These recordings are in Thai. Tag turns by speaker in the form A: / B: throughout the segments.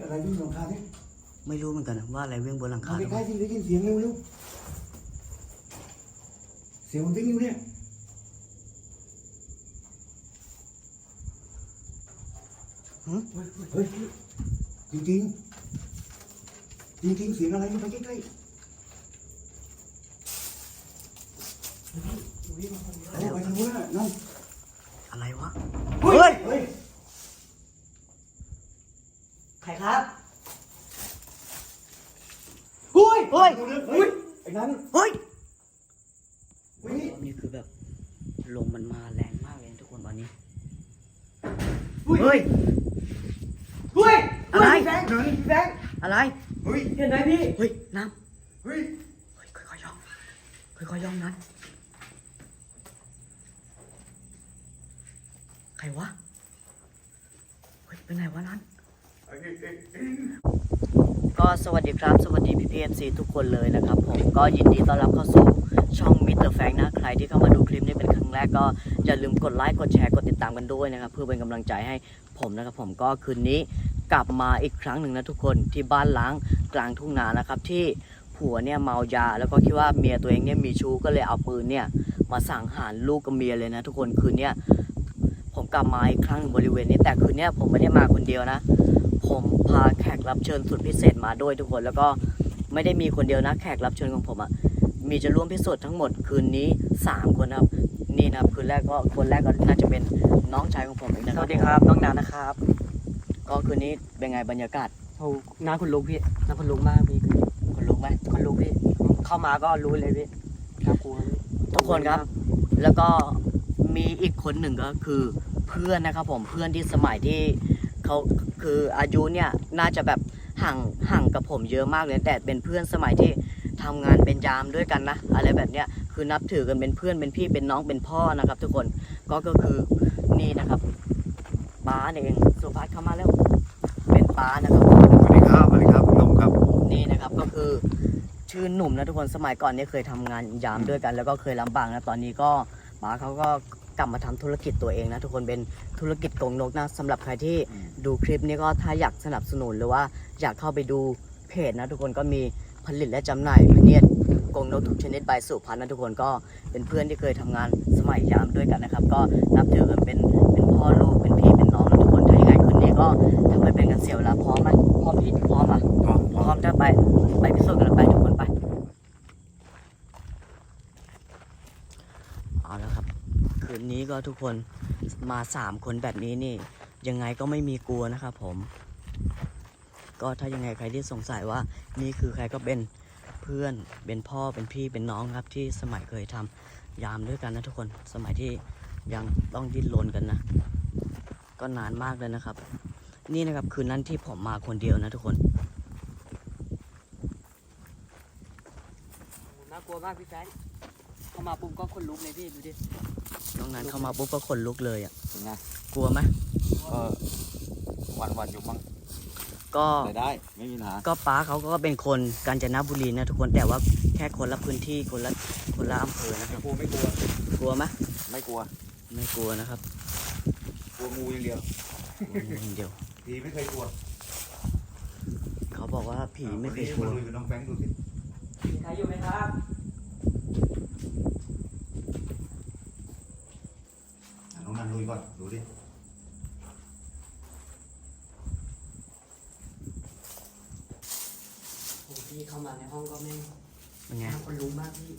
A: อะไรวิ่งบนหลังคาเนี่ย
B: ไม่รู้เหมือนกันว่าอะไรวิ่งบนหลังคา
A: ใกล้ๆที่ได้ยินเสียงเร็วเสียงมันวิ่งอยู่เนี่ยเฮ้ยจริงเสียงอะไรมันไปใกล้ๆไปทางนู้นน่ะนั่น
B: อะไรวะ
A: เฮ้ย
B: ใครครับ
A: เฮ้ย
B: เฮ้ย
A: ไอ้นั้น
B: เฮ้ย
A: เฮ้ย
B: นี่คือแบบลมมันมาแรงมากเลยทุกคนตอนนี้
A: เฮ้ย
B: อะไร
A: พี่แบงค์พี่แบงค์
B: อะไร
A: เฮ้ยเห็นไหมพี่
B: เฮ้ยน้
A: เฮ้ย
B: ำเฮ้ยค่อยๆย่องค่อยๆย่องนั้นใครวะเฮ้ยเป็นไงวะนั้นก็สวัสดีครับสวัสดีพี่ๆ FC ทุกคนเลยนะครับผมก็ยินดีต้อนรับเข้าสู่ช่องมิสเตอร์แฟงนะใครที่เข้ามาดูคลิปนี้เป็นครั้งแรกก็อย่าลืมกดไลค์กดแชร์กดติดตามกันด้วยนะครับเพื่อเป็นกำลังใจให้ผมนะครับผมก็คืนนี้กลับมาอีกครั้งหนึ่งนะทุกคนที่บ้านล้างกลางทุ่งนานะครับที่ผัวเนี่ยเมายาแล้วก็คิดว่าเมียตัวเองเนี่ยมีชู้ก็เลยเอาปืนเนี่ยมาสังหารลูกกับเมียเลยนะทุกคนคืนนี้ผมกลับมาอีกครั้งหนึ่งบริเวณนี้แต่คืนนี้ผมไม่ได้มาคนเดียวนะผมพาแขกรับเชิญสุดพิเศษมาด้วยทุกคนแล้วก็ไม่ได้มีคนเดียวนะแขกรับเชิญของผมมีจะร่วมพิสูจน์ทั้งหมดคืนนี้3คนครับนี่นะครับคืนแรกก็คนแรกก็น่าจะเป็นน้องชายของผมเองนะครับสวัสดีครับน้องนานะครับก็คืนนี้เป็นไงบรรยากาศ
C: โอ้น้าคุณลุกพี่น้าคุณลุกมากพี่
B: คนลุกไหม
C: คุณลุกพี่เข้ามาก็รู้เลยพี่น่ากลัวพี่
B: ทุกคนครับแล้วก็มีอีกคนหนึ่งก็คือเพื่อนนะครับผมเพื่อนที่สมัยที่เขาคืออายุเนี่ยน่าจะแบบห่างกับผมเยอะมากเลยแต่เป็นเพื่อนสมัยที่ทำงานเป็นยามด้วยกันนะอะไรแบบเนี้ยคือนับถือกันเป็นเพื่อนเป็นพี่เป็นน้องเป็นพ่อนะครับ ทุกคนก็คือนี่นะครับป้าเนี่ยเองสุภัสเข้ามาแล้วเป็นป้านะครับ
A: สวัสดีครับหนุ่มครับ
B: นี่นะครับก็คือชื่อหนุ่มนะทุกคนสมัยก่อนเนี่ยเคยทำงานยามด้วยกัน แล้วก็เคยลำบากนะตอนนี้ก็ป้าเขาก็กลับมาทำธุรกิจตัวเองนะทุกคนเป็นธุรกิจกรงนกนะสำหรับใครที่ดูคลิปนี้ก็ถ้าอยากสนับสนุนหรือว่าอยากเข้าไปดูเพจนะทุกคนก็มีผลิตและจำหน่ายพเนียดกรงนกทุกชนิดใบสุพรรณนะทุกคนก็เป็นเพื่อนที่เคยทำงานสมัยยามด้วยกันนะครับก็นับถือกันเป็นพ่อลูกเป็นพี่เป็นน้องนะทุกคนถ้ายังไงคืนนี้ก็ทำให้เป็นกันเสียเวลาพร้อมไหมพร้อมพี่พร้อมอ่ะพร้อมจะไปพิสูจน์กันไปทุกคนไปเอาแล้วครับคืนนี้ก็ทุกคนมา3คนแบบนี้นี่ยังไงก็ไม่มีกลัวนะครับผมก็ถ้ายังไงใครที่สงสัยว่านี่คือใครก็เป็นเพื่อนเป็นพ่อเป็นพี่เป็นน้องครับที่สมัยเคยทำยามด้วยกันนะทุกคนสมัยที่ยังต้องดิ้นรนกันนะก็นานมากเลยนะครับนี่นะครับคืนนั้นที่ผมมาคนเดียวนะทุกคน
C: น่ากลัวมากพี่แฟนเข้ามาปุ๊บก็คนลุกเลยพี่ดูดิ
B: น้องนั้นเข้ามาปุ๊บก็ขนลุกเลยอ่ะ
A: เป็นไง
B: กลัวไหม
A: ก็วันอยู่มั้ง
B: ก็
A: ได้ไม่มีปัญหา
B: ก็ป้าเขาก็เป็นคนกาญจนบุรีนะทุกคนแต่ว่าแค่คนละพื้นที่คนละอำเภอนะครับ
A: ไม่กลัว
B: กลัวไหม
A: ไม่กลัว
B: ไม่กลัวนะครับ
A: กลัวงูอย่างเดียว
B: กลัวอย่างเดียว
A: ผีไม่เคยกลัว
B: เขาบอกว่าผีไม่เคยกลัว
A: มาลุยกับน้องแฟงดูสิ
C: มีใครอยู่ไหมครับ
A: น้องนันลุยก่อนดูดิ
C: โอ้พี่เข้ามาในห้องก็ไม่
B: เป็นไง
C: น่าคนลุกมากพี่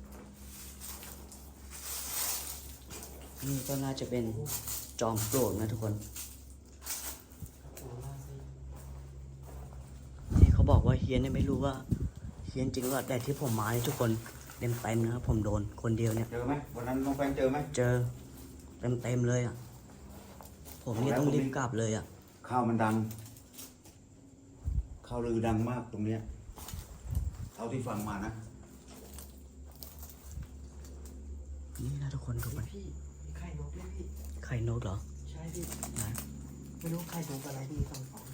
B: นี่ก็น่าจะเป็นจอมปลวกนะทุกคน
C: น่ากลัวมากพี่
B: ที่เขาบอกว่าเฮียนเนี่ยไม่รู้ว่าเฮียนจริงหรือเปล่าแต่ที่ผมมานี่ทุกคนเต็มนะครับผมโดนคนเดียวเนี่ย
A: เจอไหมวันนั้นน้องแฟงเจอไหม
B: เจอเต็มเลยอ่ะผมนี่ต้องรีบกลับเลยอ่ะ
A: ข้าวมันดังข้าวลือดังมากตรงเนี้ยเท่าที่ฟังมานะ
B: นี่นะทุกคนดูไป
C: พี่มีไข่นกด้วยพี่
B: ไข่นกเหรอ
C: ใช่พี่
B: ไหน
C: ไม่รู้ไข่นกอะไรพี่สอง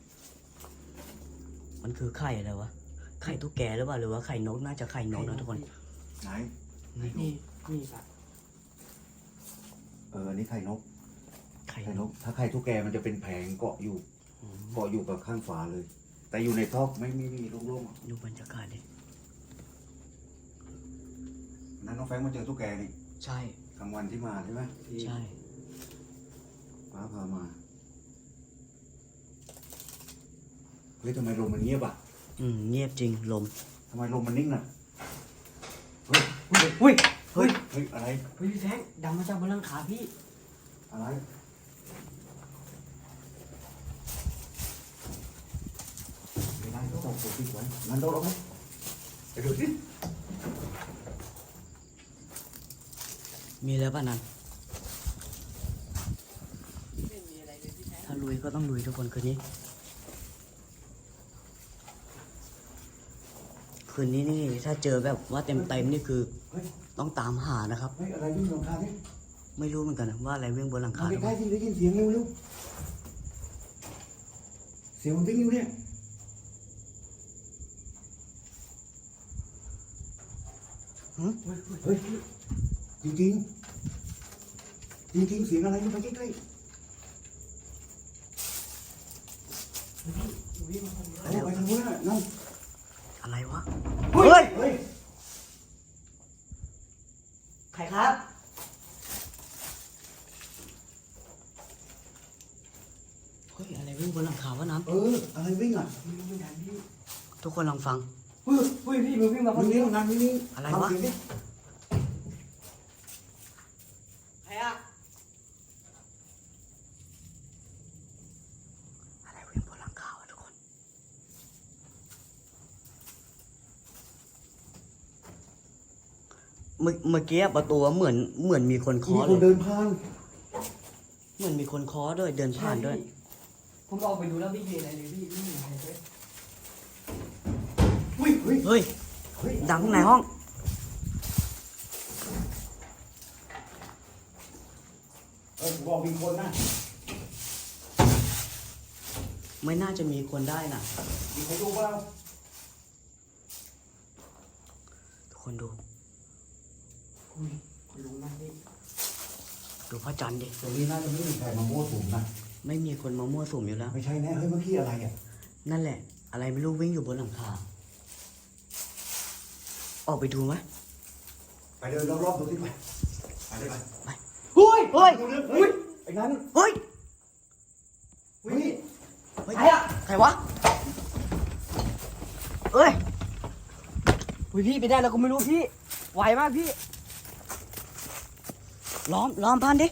B: มันคือไข่อะไรวะไข่ตุ๊กแกหรือเปล่าหรือว่าไข่นกน่าจะไข่นกนะทุกคน
A: ไหน
C: นี่นี่ปะ
A: อันนี้ไข่นก
B: ไข่
A: ไข่
B: น
A: น
B: ก
A: กถ้าไข่ทุกแกมันจะเป็นแผงเกาะอยู่
B: อื
A: เกาะอยู่กับข้างฝาเลย แต่อยู่ในท่อไม่มีโล่งๆอะ
B: ดูบรรยากาศดิ
A: นั้นน้องแฟงมาเจอตุ๊กแกนี่
B: ใช่
A: กลางวันที่มาใช่ไหมที่
B: ใช่
A: ฟ้าพามาเฮ้ยทำไมลมมันเงียบอ่ะ
B: เงียบจริงลม
A: ทำไมลมมันนิ่งน่ะเฮ้ย
C: อุ้ย
A: เฮ้ยเฮ้ยอะไร
C: เฮ้ยพี่แฟงดังมาจากบนหลังคาพี่
A: อะไรไม่ได้ก็ต้องปกปิดไว้งั้นเราไหมไปดูสิ
B: มีแล้วป่ะนั้น
C: ไม่มีอะไรเลยพี่แฟง
B: ถ้าลุยก็ต้องลุยทุกคนคืนนี้ คืนนี้นี่ถ้าเจอแบบว่าเต็มนี่คือ
A: เฮ้ย
B: ต้องตามหานะครับ
A: เฮ้ยอะไรวิ่งลงคาดิ
B: ไม่รู้เหมือนกันนะว่าอะไรวิ่งบนหลัง
A: มา
B: คาหรือ
A: ใก
B: เป
A: ล้
B: ล่า
A: ๆที่ได้ยินเสียงเร็วเสียงมันวิ่งอยู่เนี่ยเฮ้ยจริงๆจริงๆเสียงอะไรมันไปใกล้ๆเอาไปทางนู้นน่ะนั่น
B: อะไรวะ
A: เฮ้ยเฮ้ย
C: ใครครับ
B: เฮ้ยอะไรวิ่งบนหลังคาวะน้
A: อะไรวิ่งอ่ะ
C: ไม่รู้เหมือนกันพี่
B: ำทุกคนลองฟัง
C: เฮ้ยเฮ้ยพี่มันวิ่งมาคน
A: วิ่ง
C: เดี
A: นี่
C: ยว
A: งานวิ่งนี่
B: อะไรวะ
A: ทำเสียงดิ
C: ใครอะ
B: อะไรวิ่งบนหลังคาวะทุกคนเมื่อกี้ประตูเหมือนมีคนเคาะ
A: มีค
B: เล
A: น
B: ย
A: เดินผ่าน
B: เหมือนมีคนเคาะด้วยเดินผ่านด้วย
C: ผมออกไปดูแล้วไม่มีอะไรเลยพี่ไม่มีอะไรเลย
A: เฮ้ยเฮ้ย
B: เฮ้ย
A: เฮ้ย
B: ดังในห้อง
A: บอกมีคนนะ
B: ไม่น่าจะมีคนได้นะ
A: มีใครดูเปล่า
B: ทุกคนดู
C: อุ้ยรู้นะพี่
B: ดูพระจันทร์ดิ
A: ตรงนี้น่าจะไม่มีใครมามั่วสุมนะ
B: ไม่มีคนมามั่วสุมอยู่แล้ว
A: ไม่ใช่แน่เฮ้ยเมื่อกี้อะไรอ่ะ
B: นั่นแหละ อะไรไม่รู้วิ่งอยู่บนหลังคา ออกไปดูไหม
A: ไปเดินรอบๆดูสิไปไปเลยไป
B: ไปเฮ้ยเฮ้ย
A: ดูเรื่องเฮ้ยไอ้นั้น
B: เฮ้ย
A: เฮ้ย
B: เฮ้ย
C: ใครอะ
B: ใครวะเอ้ย
C: อุ้ยพี่ไปได้แล้วก็ไม่รู้พี่ไหวมากพี่
B: ล้อมพันดิ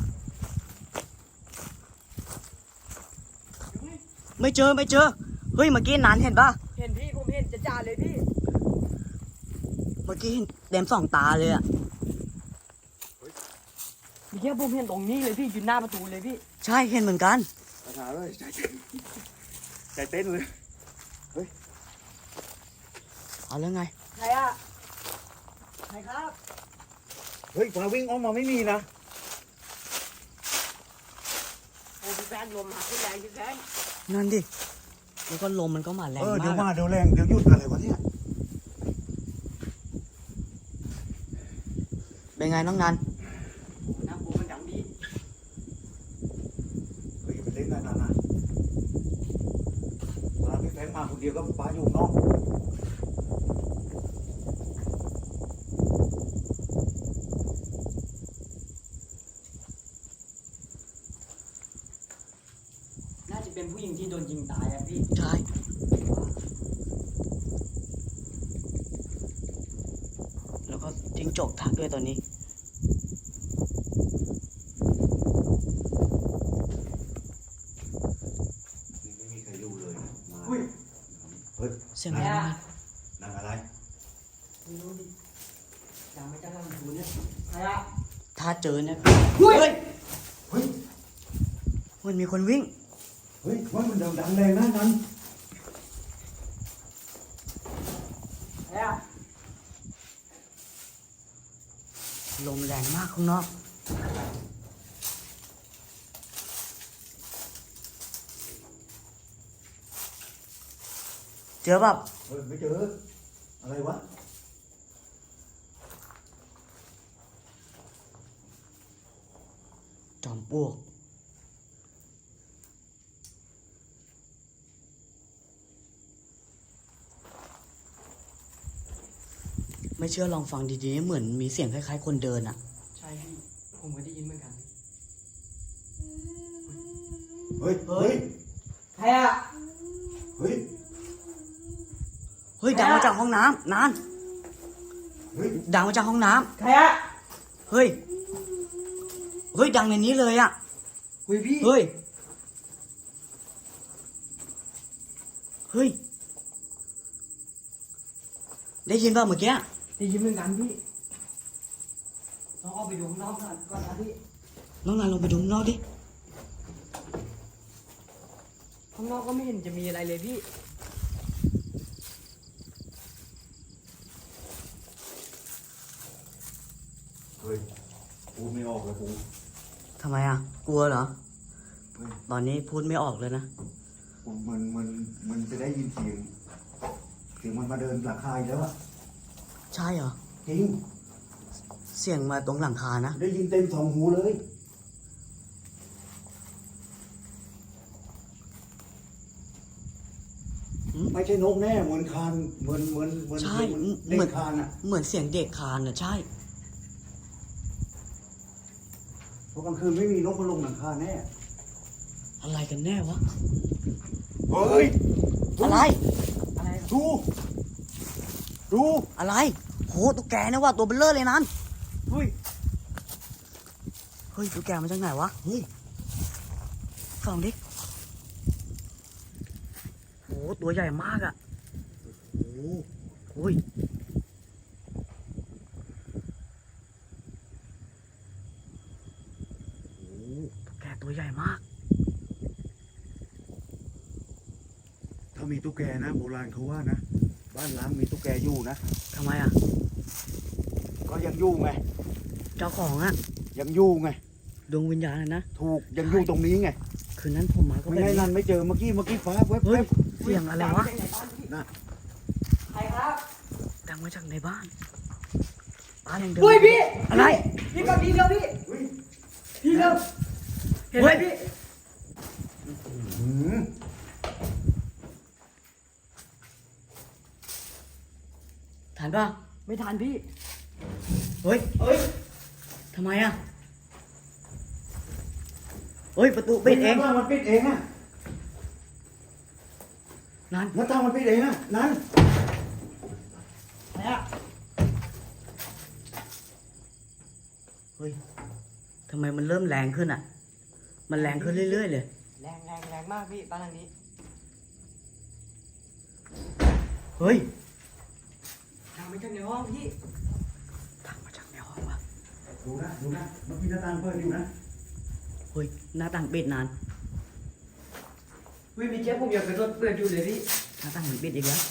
B: ไม่เจอ เฮ้ย เมื่อกี้นานเห็นป่ะ
C: เห็นพี่ผมเห็นจะจ่าเลยพี่
B: เมื่อกี้เห็นเต็มสองตาเลยอะ
C: เมื่อกี้ผมเห็นตรงนี้เลยพี่อยู่หน้าประตูเลยพี่
B: ใช่เห็นเหมือนกัน
A: ปัญหาเลยใจเต้นเลย
B: เอาแล้วไง
C: ใครอะใครครับ
A: เฮ้ยฟ้าวิ่งออกมาไม่มีนะ
C: โอ้พี่แฟนลมหาพี่แรงพี่แฟน
B: นั่นดิ แล้วก็ลมมันก็มาแรง
A: เดี๋ยว
B: มาก
A: มา
B: อะ
A: เดี๋ยวแรงเดี๋ยวหยุดอะไรวะเนี่ย
B: เป็นไงน้องนัน
C: โอ้น้ำปูมันดังดี
A: เฮ้ยไปเล่นนั่นนะมาพี่แฟงมาคนเดียวก็ป้าอยู่นอก
C: น่าจะเป็นผู้หญิงที่โดนยิงตายอะพี่
B: ใช่ แล้วก็จิ้งจกทักด้วยตอนนี้
A: นี่ไม่มีใครอยู่เลยนะมา
C: อุ้ย
A: เฮ้ย
B: เสียงอะไรนะ
A: นั่งอะไร
C: ไม่รู้ดิดังไม่จ้าลำพูเนี่ยใครอะ
B: ถ้าเจอเนี่ย
C: เฮ้ย
A: เฮ้ย
B: มันมีคนวิ่ง
A: เฮ้ยว่ามันดังแรงนะนั้น
C: ใครอะ
B: ลมแรงมากข้างนอก เจอแบบ
A: เฮ้ยไม่เจออะไรวะ
B: จอมปลวกไม่เชื่อลองฟังดีๆเหมือนมีเสียงคล้ายๆคนเดินอ่ะ
C: ใช่พี่ผมก็ได้ยินเหมือนกัน
A: เฮ้ยเฮ้ย
C: ใครอะ
A: เฮ้ย
B: เฮ้ยดังมาจากห้องน้ำนาน
A: เฮ้ย
B: ดังมาจากห้องน้ำ
C: ใครอะ
B: เฮ้ยเฮ้ยดังในนี้เลยอ่ะ
C: คุยพี่
B: เฮ้ยเฮ้ยได้ยินป่ะเมื่อกี้
C: ได้ยินเหมือนกันพี่ลองออกไปดูข้างนอกก่อนนะพี่
B: น้องนายลงไปดูข้างนอกดิ
C: ข้างนอกก็ไม่เห็นจะมีอะไรเลยพี่
A: เฮ้ยกูไม่ออกเลยกู
B: ทำไมอ่ะกลัวเหรอ
A: เฮ้ย
B: ตอนนี้พูดไม่ออกเลยนะ
A: กูมันจะได้ยินเสียงมันมาเดินหลังคาอีกแล้วอะ
B: ใช่เหรอ
A: จริง
B: เสียงมาตรงหลังคานะ
A: ได้ยินเต็มสองหูเลย ไม่ใช่นกแน่เหมือนคานเหมือน
B: ใช่
A: เด็
B: เหมือน
A: กคานอะ
B: เหมือนเสียงเด็กคลานอ่ะใช่
A: เพราะกลางคืนไม่มีนกมาลงหลังคาแน่
B: อะไรกันแน่วะ
A: เฮ้ย
B: อะไร
C: อะไร
A: ดู ดู
B: อะไรโหตุ๊กแกนะว่าตัวเบลเลอร์เลยนั้น
A: เฮ้ย
B: เฮ้ยตุ๊กแกมาจากไหนวะ
A: เฮ้ย
B: ส่องดิโหตัวใหญ่มากอ่ะ
A: โอ้
B: โอ้ยโอ้ตุ๊กแกตัวใหญ่มาก
A: ถ้ามีตุ๊กแกนะโบราณเขาว่านะ บ้านล้างมีตุ๊กแกอยู่นะ
B: ทำไมอ่ะ
A: ก็ยังอยู่ไง
B: เจ้าของอ่ะ
A: ยังอยู่ไง
B: ดวงวิญญาณน่ะนะ
A: ถูกยังอยู่ตรงนี้ไง
B: คืนนั้นผมมาก็
A: ไม่
B: แบบ
A: ให้
B: นี้
A: นั่นไม่เจอเมื่อกี้ฟ้าแวบ
B: เฮ้ยเสียงอะไรวะ
A: น่ะ
C: ใครครับ
B: ดังมาจากในบ้านบ้านยังเดิน
C: เฮ้ยพี่
B: อะไร
C: พี่กับพี่เดียวพี่
A: เฮ้ย
C: พี่เดียวเห็นไหมพี่
A: หืม
B: ทันป่ะ
C: ไม่ทันพี่
B: เฮ้ย
C: เฮ้ย
B: ทำไมอ่ะเฮ้ยประตูปิดเอง
A: หน้าต่างมันปิดเองอะ
B: นั่น
A: หน้าต่างมันปิดเองอะนั่น
C: ใครอะ
B: เฮ้ยทำไมมันเริ่มแรงขึ้นอ่ะ มันแรงขึ้นเรื่อยๆเลย
C: แรงมากพี่บ้านหลังนี้
B: เฮ้ย
C: ทางไปจากในห้องพี่
B: ดังมาจากในห้องวะ
A: ดูนะเมื่อกี้หน้าต่างเปิดอยู่นะ
B: เฮ้ยหน้าต่างปิดนาน
C: วิมีเจ๊ผมอยากไปรถเปิดอยู่เลยพี่
B: หน้าต่างมันปิดอีกแล้ว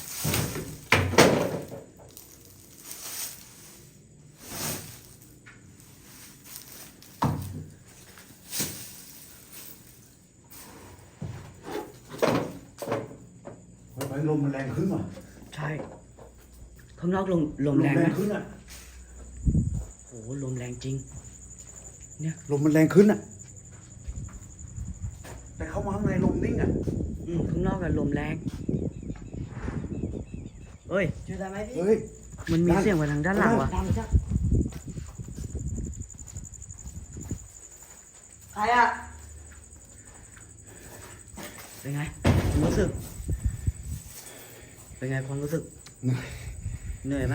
A: ไปลมมันแรงขึ้นว่ะ
B: ใช่ข้างนอกลมแรงนะ
A: ขึ้นอะ
B: โหลมแรงจริง
A: ลมมันแรงขึ้นอะแต่เข้ามาข้างในลมนิ่งอะ
B: ข้างนอกอะลมแรงเฮ้ย
C: เจอได้ไหมพี่
A: เฮ้ย
B: มันมีเสียงมาทางด้านหลังวะ
C: ดังจังใครอะ
B: เป็นไงความรู้สึก เป็นไงความรู้สึก เหนื่อยไหม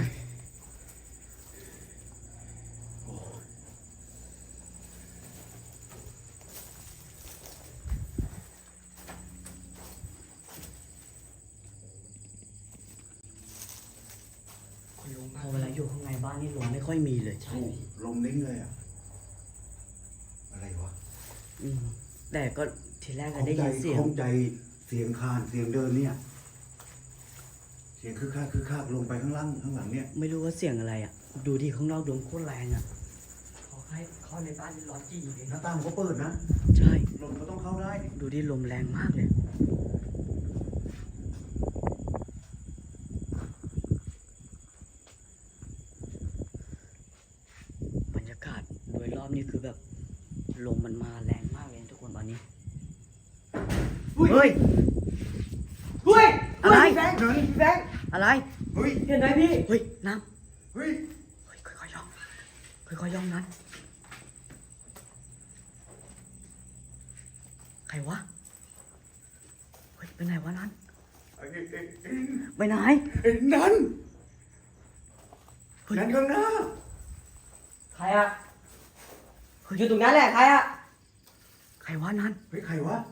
C: คุณลุง
B: พอเวลาอยู่ข้างในบ้านนี่ลมไม่ค่อยมีเลย
A: ถูกลมนิ่งเลยอะอะไรวะ
B: แต่ก็ทีแรกก็ได้ยินเสียง
A: คงใจเสียงคานเสียงเดินเนี่ย เสียงคือคักลงไปข้างล่างข้างหลังเนี่ย
B: ไม่รู้ว่าเสียงอะไรอ่ะ ดูที่ข้างนอกดวงโคตรแรงอ่ะ
C: ขอให้เข้าในบ้านนี่ร้อนจีเลย
A: หน้าต่างก็เปิดนะ
B: ใช่
A: ลมก็ต้องเข้าได้ดิ
B: ดูที่ลมแรงมากเลย บรรยากาศโดยรอบนี่คือแบบลมมันมาแรงมากเลยนะทุกคนตอนนี้ เฮ้ย
C: เฮ้ย
B: อะไร
C: พี่แบงค์พี่แบงค์
B: อะไร
A: เฮ้ย
C: เห็นไหมพี่
B: เฮ้ยน้
A: เฮ้ย
B: เฮ้ยค่อยๆย่องค่อยๆย่องนั้นใครวะเฮ้ยไปไหนวะนั้นไปไหน
A: นั่นนั่นข้างหน้า
C: ใครอะอยู่ตรงนั้นแหละใครอะ
B: ใครวะนั้น
A: เฮ้ยใครวะ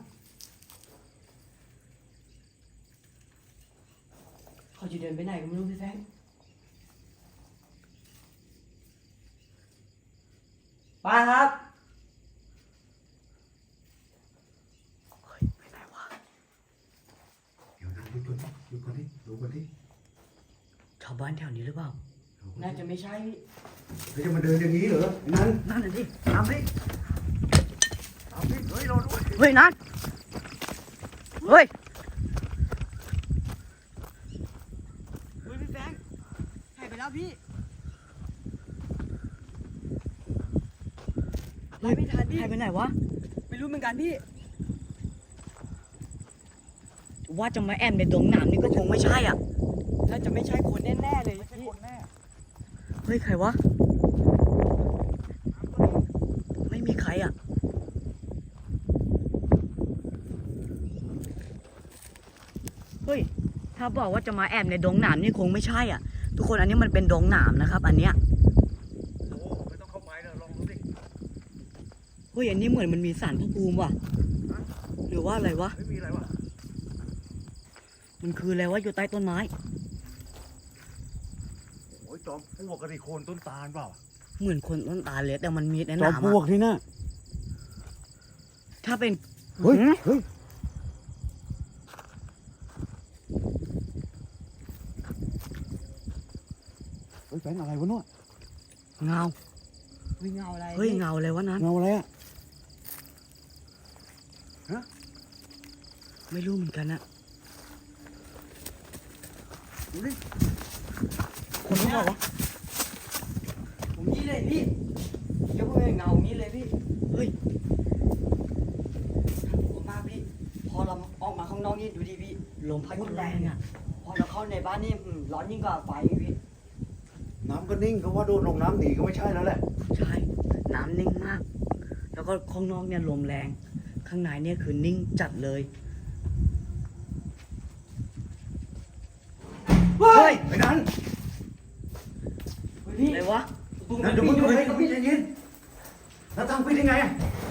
C: เขาจะเดินไปไหนก็ไม่รู้พี่แฟงป้าครับ
B: เฮ้ยไปไหนวะ
A: เดี๋ยวนั่งดูก่อนดิดูก่อนดิ
B: ชาวบ้านแถวนี้หรือเปล่า
C: น่าจะไม่ใช่พี่
A: เขาจะมาเดินอย่างนี้เหรอนั่น
B: นั่นน่ะดิตามดิ
A: เอาพี่เฮ้ยรอด้วย
B: เฮ้ยนั่นเฮ้ย
C: เฮ้ยพี่แฟงหายไปแล้วพี่ไล่ไม่ทันพี่
B: ใครไปไหนวะ
C: ไม่รู้เหมือนกันพี่
B: ว่าจะมาแอมในดงหนามนี่ก็คงไม่ใช่อ่ะ
C: น่าจะไม่ใช่คนแน่ๆเลยพี่
B: เฮ้ยใครวะไม่มีใครอ่ะเฮ้ยถ้าบอกว่าจะมาแอบในดงหนามนี่คงไม่ใช่อ่ะ ทุกคนอันนี้มันเป็นดงหนามนะครับ อันเนี้ย
A: โอ้ไม่ต้องเข้าไปนะลองดูดิ
B: เฮ้ยอันนี้เหมือนมันมีสารพระภูมิว่ะหรือว่าอะไรวะ
A: ไม่มีอะไรวะ
B: มันคืออะไรวะอยู่ใต้ต้นไม้
A: โอ้ยจอมปลวกกระดิโคนต้นตาลเปล่า
B: เหมือนคนต้นตาลเลยแต่มันมีในห
A: จอม
B: นาม
A: ปลว
B: อะ
A: กนี่นะ
B: ถ้าเป็น
A: เฮ้ย
B: หืม
A: เฮ้ยเฮ้ยแฟนอะไรวะเนาะ
B: เงา
C: วิ่งเงาอะไร
B: เฮ้ย
C: พี่
B: เงาอะไรวะนั้น
A: เงาอะไรอะ
B: ไม่รู้เหมือนกันอะ
A: ดูดิ
B: คนรู้เปล่าวะ
C: ผมนี่เลยพี่ยกมือเงานี้เลยพี่
B: เฮ้ย
C: ผมมากพี่ พอเราออกมาข้างนอกนี่ดูดิพี่
B: ลมพัดแรงอะ
C: พอเราเข้าในบ้านนี่ร้อนยิ่งกว่าไฟอีกพี่
A: น้ำก็นิ่งเขาว่าโดนลงน้ำหนีก็ไม่ใช่แล้วแหละ
B: ใช่น้ำนิ่งมาก แล้วก็ข้างนอกเนี่ยลมแรง ข้างในเนี่ยคือนิ่งจัดเลย
A: เฮ้ยไอ้นั่น
C: เฮ้ยพี่
B: อะไรวะ
A: นั่นเดี๋ยวมึงอยู่ไหนก็พี่ใจเย็นแล้วตั้งพี่ได้ไงอะ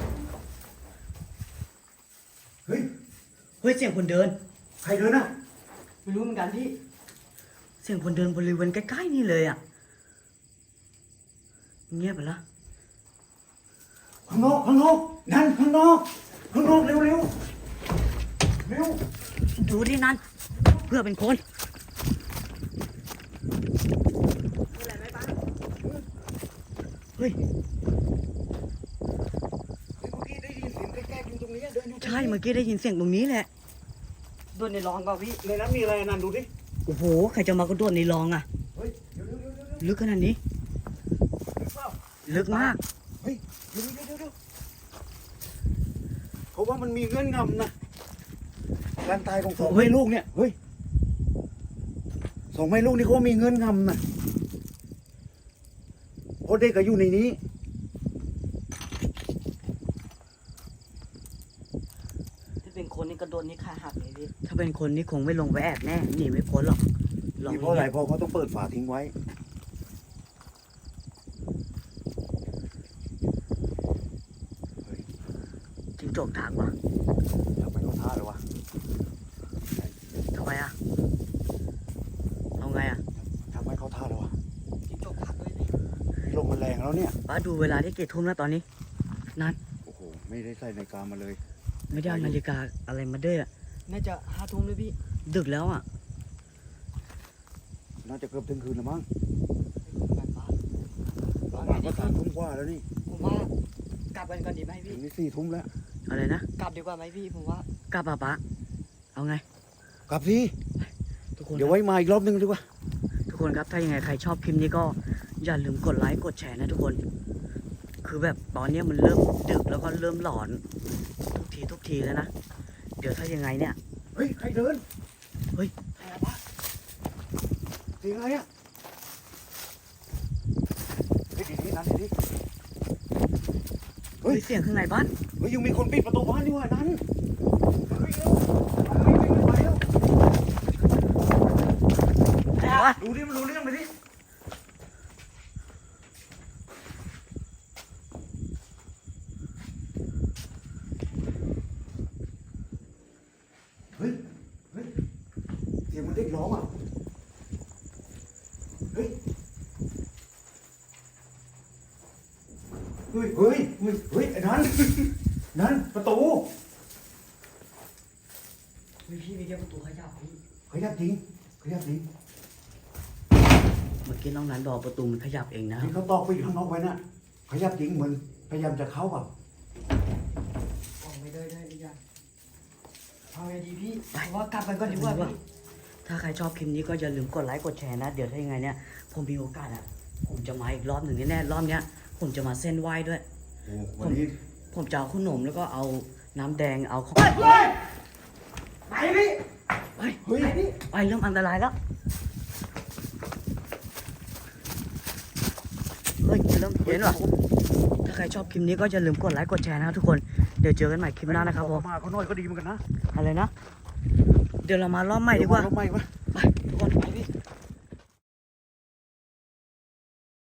A: เฮ้ย
B: เฮ้ยเสียงคนเดิน
A: ใครเดินอะ
C: ไม่รู้เหมือนกันพี่
B: เสียงคนเดินบริเวณใกล้ๆนี่เลยอะเงียบไปละ
A: ข้างนอกนั่นข้างนอกเร็วเร็ว
B: ดูดินั้นเพื่อเป็นคน เฮ้ย
A: เมื่อกี้ได้ยินเสียงใกล้ๆอยู่ตรงนี้เดินอยู่
B: ใช่เมื่อกี้ได้ยินเสียงตรงนี้แหละ
C: โดนในร้องเปล่าพี่
A: ในนั้นมีอะไรนั่นดูดิ
B: โอ้โห ใครจะมากระโดดในรองอะ
A: เฮ้ยเดี๋ยว
B: ลึกขนาดนี้
A: เปล่า
B: ลึกมาก
A: เฮ้ยเดี๋ยวเขาว่ามันมีเงื่อนงำนะการตายของสองแม่ลูกเนี่ยเฮ้ยสองแม่ลูกนี่เขาว่ามีเงื่อนงำนะเพราะเด็กก็อยู่ในนี้
C: ถ้าเป็นคนนี่กระโดดนี่ขาหักเลยพี่
B: ถ้าเป็นคนนี่คงไม่ลงไปแอบแน่หนีไม่พ้นหรอกลอง
A: นี่เพราะอะไรเพราะเขาต้องเปิดฝาทิ้งไว้
B: จิ้งจกถากว่ะ
A: ทำไมเขาท่าเลยวะ
B: ทำไมอะเอาไงอะ
A: ทำไมเขาท่าเลยวะ
C: จิ้งจกหักเลยพี่
A: ลมมันแรงแล้วเนี่ย
B: ป้าดูเวลาที่กี่ทุ่มแล้วตอนนี้ นั่น
A: โอ้โหไม่ได้ใส่นาฬิกามาเลย
B: ไม่ได้เอานาฬิกาอะไรมาด้วยอะ
C: น่าจะ5 ทุ่มเลยพี่
B: ดึกแล้วอะ
A: น่าจะเกือบถึงคืนแล้วมั้ง
C: แบบว่า
A: ประมาณก็3 ทุ่มกว่าแล้วนี่
C: ผมว่ากลับกันก่อนดีไหม
A: ถึ
C: พี่
A: งนี่4 ทุ่มแล้ว
B: อะไรนะ
C: กลับดีกว่าไหมพี่ผมว่าก
B: ลับป่ะป้าเอาไง
A: กลับสิ
B: ทุกคน
A: เดี๋ยวไว้มาอีกรอบนึงดีกว่า
B: ทุกคนครับถ้ายังไงใครชอบคลิปนี้ก็อย่าลืมกดไลค์กดแชร์นะทุกคน คือแบบตอนเนี้ยมันเริ่มดึกแล้วก็เริ่มหลอนทุกทีแล้วนะเดี๋ยวถ้ายังไงเนี่ย
A: เฮ้ยใครเดิน
C: อะไรวะ
A: เสียงอะไรอะนั้นดิ
B: เฮ้ยเสียงข้างในบ้าน
A: เฮ้ยยังมีคนปิดประตูบ้านนี่หว่านั้นเฮ้ยเร็วไปเร็ว
B: ไหนวะ
A: ดูดิมันรู้เรื่องไปดิเฮ้ยเฮ้ยเสียงมันเด็กร้องอ่ะเฮ้ยเฮ้ยเฮ้ยเฮ้ยเฮ้ยไอ้นั้นนั่นประตู
C: มีพี่มีแค่ประตูขยับพี่
A: ขยับจริงขยับจริง
B: เมื่อกี้น้องนันบอกประตูมันขยับเองนะ
A: ที่เขาตอกไปข้างนอกไว้น่ะขยับจริงเหมือนพยายามจะเข้าแบบ
C: ออกไม่ได้อีกอย่างเอาไงดีพี่ว่ากลับไปก่อนดีกว่าพี่
B: ถ้าใครชอบคลิปนี้ก็อย่าลืมกดไลค์กดแชร์นะเดี๋ยวถ้ายังไงเนี่ยผมมีโอกาสอ่ะผมจะมาอีกรอบหนึ่งแน่ๆรอบเนี้ยผมจะมาเส้นไหว้ด้วย
A: โอ้วันนี้
B: ผมจะเอาขนมแล้วก็เอาน้ำแดงเอาของ
C: ไปพี่
B: ไป
A: เฮ้ย
B: ไปเริ่มอันตรายแล้วเฮ้ยเริ่มเห็นเหรอถ้าใครชอบคลิปนี้ก็อย่าลืมกดไลค์กดแชร์นะครับทุกคนเดี๋ยวเจอกันใหม่คลิปหน้านะครับผม
A: มาเขาหน่อยก็ดีเหมือนกันนะ
B: อะไรนะเดี๋ยวเรามารอบใหม่ดีกว่า
A: รอบใหม่ปะ
B: ไปทุกคนไป